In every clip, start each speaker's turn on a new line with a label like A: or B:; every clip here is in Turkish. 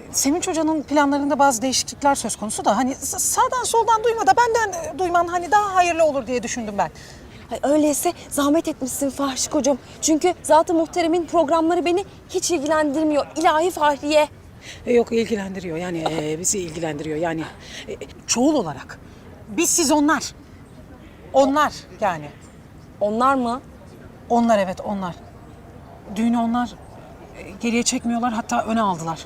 A: Sevinç Hoca'nın planlarında bazı değişiklikler söz konusu da hani sağdan soldan duyma da benden duyman hani daha hayırlı olur diye düşündüm ben.
B: Ay, öyleyse zahmet etmişsin Fahişik hocam. Çünkü Zat-ı Muhterem'in programları beni hiç ilgilendirmiyor. İlahi Fahriye.
A: Yok ilgilendiriyor yani bizi ilgilendiriyor yani çoğul olarak. Biz siz onlar. Onlar yani.
B: Onlar mı?
A: Onlar evet onlar. Düğünü onlar geriye çekmiyorlar hatta öne aldılar.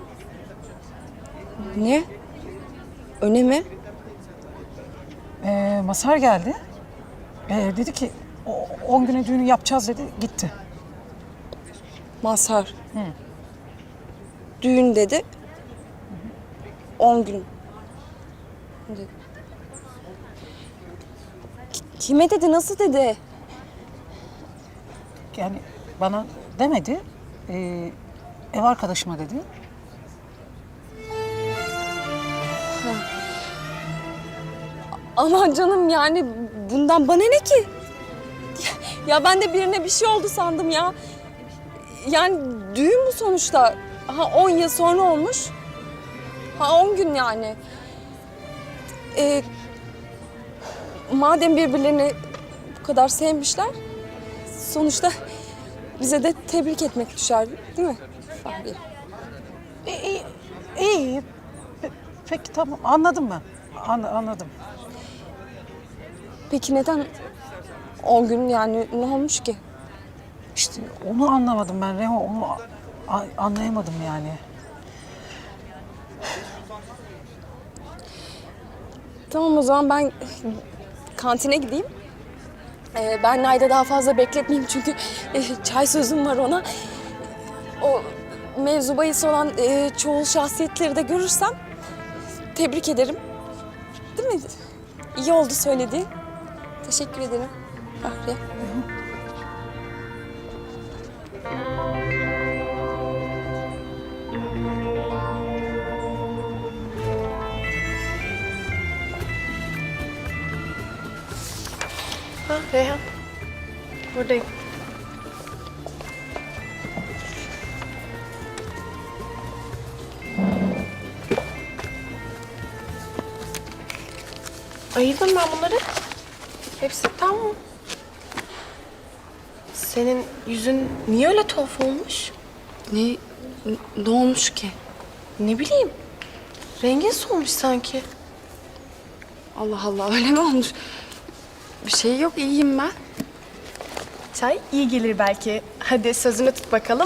B: Ne? Öne mi?
A: Masar geldi. Dedi ki 10 güne düğünü yapacağız dedi gitti.
B: Mazhar. Düğün dedi. 10 gün. Dedi. Kime dedi? Nasıl dedi?
A: Yani bana demedi. Ev arkadaşıma dedi.
B: Aman canım yani bundan bana ne ki? Ya ben de birine bir şey oldu sandım ya. Yani düğün bu sonuçta. Ha 10 yıl sonra olmuş. Ha 10 gün yani. Madem birbirlerini bu kadar sevmişler, sonuçta bize de tebrik etmek düşer değil mi? Fahriye?
A: İyi. Peki tamam anladım ben. Anladım.
B: Peki neden 10 gün yani ne olmuş ki?
A: İşte onu anlamadım ben Reho. Onu anlayamadım yani.
B: Tamam o zaman ben kantine gideyim. Ben Nayda daha fazla bekletmeyeyim çünkü çay sözüm var ona. O mevzu bahis olan çoğul şahsiyetleri de görürsem tebrik ederim. Değil mi? İyi oldu söylediğin. Teşekkür ederim Fahriye.
C: Ha Reyhan. Buradayım. Ayırdım ben bunları. Hepsi tam mı? Senin yüzün niye öyle tuhaf olmuş?
B: Ne olmuş ki?
C: Ne bileyim. Rengin solmuş sanki.
B: Allah Allah öyle mi olmuş? Bir şey yok iyiyim ben.
C: Çay iyi gelir belki. Hadi sözünü tut bakalım.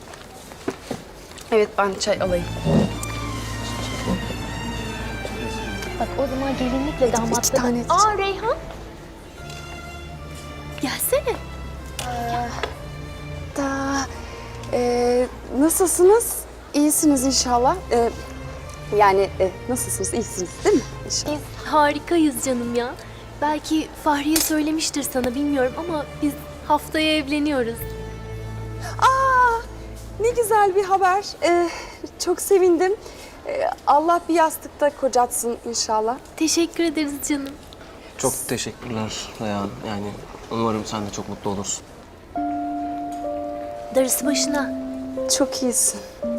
B: Evet ben çay alayım.
D: Bak o zaman gelinlikle damatla...
B: iki tane içeceğim.
D: Aa Reyhan. Gelsene.
B: Nasılsınız? İyisiniz inşallah. Yani nasılsınız? İyisiniz değil mi? İnşallah.
D: Biz harikayız canım ya. Belki Fahriye söylemiştir sana bilmiyorum ama biz haftaya evleniyoruz.
B: Aa, ne güzel bir haber. Çok sevindim. Allah bir yastıkta kocatsın inşallah.
D: Teşekkür ederiz canım.
E: Çok teşekkürler Reyhan. Yani umarım sen de çok mutlu olursun.
D: Darısı başına.
B: Çok iyisin.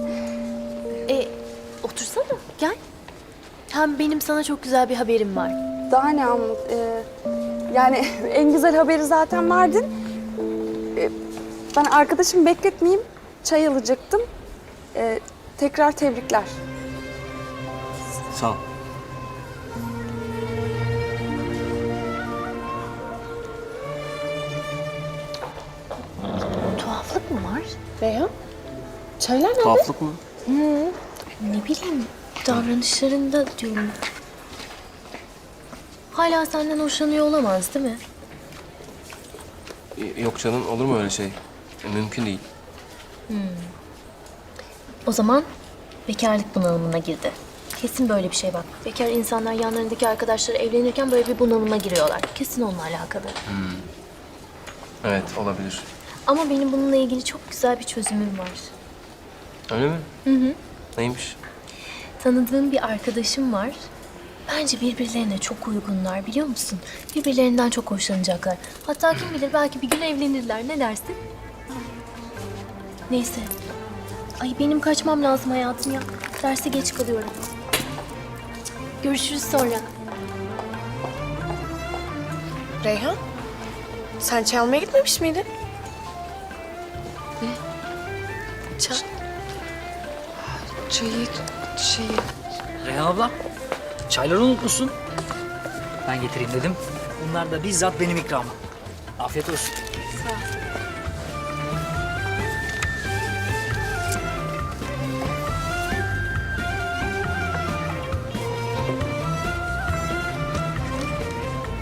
D: Otursana gel. Hem benim sana çok güzel bir haberim var.
B: Daha ne anlat? Yani en güzel haberi zaten verdin. Ben arkadaşımı bekletmeyeyim. Çay alacaktım. Tekrar tebrikler.
E: Sağ ol.
D: Tuhaflık mı var?
C: Reyhan. Çaylar nerede?
E: Tuhaflık mı?
D: Ne bileyim davranışlarında diyorum. Hala senden hoşlanıyor olamaz değil mi?
E: Yok canım olur mu öyle şey? Mümkün değil.
D: O zaman bekarlık bunalımına girdi. Kesin böyle bir şey bak. Bekar insanlar yanlarındaki arkadaşları evlenirken böyle bir bunalıma giriyorlar. Kesin onunla alakalı.
E: Evet olabilir.
D: Ama benim bununla ilgili çok güzel bir çözümüm var.
E: Öyle mi? Hı. Neymiş?
D: Tanıdığım bir arkadaşım var. Bence birbirlerine çok uygunlar biliyor musun? Birbirlerinden çok hoşlanacaklar. Hatta kim bilir belki bir gün evlenirler. Ne dersin? Neyse. Ay benim kaçmam lazım hayatım ya. Derse geç kalıyorum. Görüşürüz sonra.
C: Reyhan, sen çay almaya gitmemiş miydin?
F: Reyhan abla, çayları unutmuşsun. Ben getireyim dedim. Bunlar da bizzat benim ikramım. Afiyet olsun.